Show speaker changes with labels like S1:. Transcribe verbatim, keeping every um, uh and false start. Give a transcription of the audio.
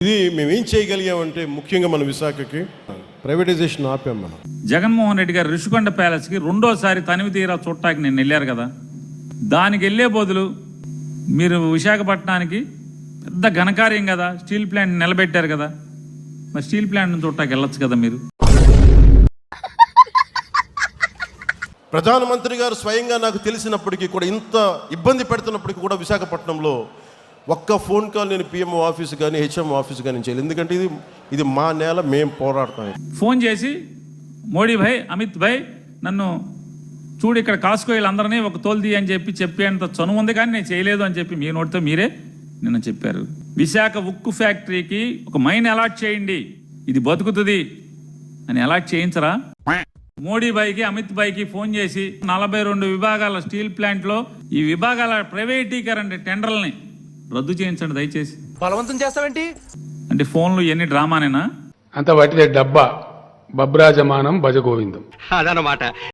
S1: ఇది మేము ఏం చేయగలిగామంటే ముఖ్యంగా మన విశాఖకి ప్రైవేటైజేషన్ ఆపాం మనం.
S2: జగన్మోహన్ రెడ్డి గారు ఋషికొండ ప్యాలెస్కి రెండోసారి తనివి తీరా చూడటానికి నేను వెళ్ళారు కదా, దానికి వెళ్ళే బదులు మీరు విశాఖపట్నానికి పెద్ద ఘనకార్యం కదా, స్టీల్ ప్లాంట్ నిలబెట్టారు కదా, మరి స్టీల్ ప్లాంట్ చూడటానికి వెళ్ళొచ్చు కదా మీరు.
S1: ప్రధానమంత్రి గారు స్వయంగా నాకు తెలిసినప్పటికీ కూడా, ఇంత ఇబ్బంది పెడుతున్నప్పటికీ కూడా విశాఖపట్నంలో ఒక్క ఫోన్ కాల్ నేను పిఎంఓ ఆఫీస్ కానీ హెచ్ఎం ఆఫీస్ కానీ చేయాలి. ఎందుకంటే ఇది ఇది మా నేల, మేము పోరాడతాం.
S2: ఫోన్ చేసి మోడీ భాయ్, అమిత్ భాయ్, నన్ను చూడు ఇక్కడ కాసుకో వీళ్ళందరినీ ఒక తోలుది అని చెప్పి చెప్పేంత చనువు ఉంది, కానీ నేను చేయలేదు అని చెప్పి మీ నోటితో మీరే నిన్న చెప్పారు. విశాఖ ఉక్కు ఫ్యాక్టరీకి ఒక మైన్ అలాట్ చేయండి, ఇది బతుకుతుంది అని అలాట్ చేయించరా? మోడీ భాయ్కి అమిత్ భాయ్కి ఫోన్ చేసి నలభై రెండు విభాగాల స్టీల్ ప్లాంట్లో ఈ విభాగాల ప్రైవేటీకరణ టెండర్లని రద్దు చేయించండి దయచేసి.
S3: బలవంతం చేస్తావేంటి
S2: అంటే ఫోన్లు ఎన్ని డ్రామానేనా?
S4: అంత వాటిదే డబ్బా బబ్రాజమానం భజగోవిందం
S3: అదనమాట.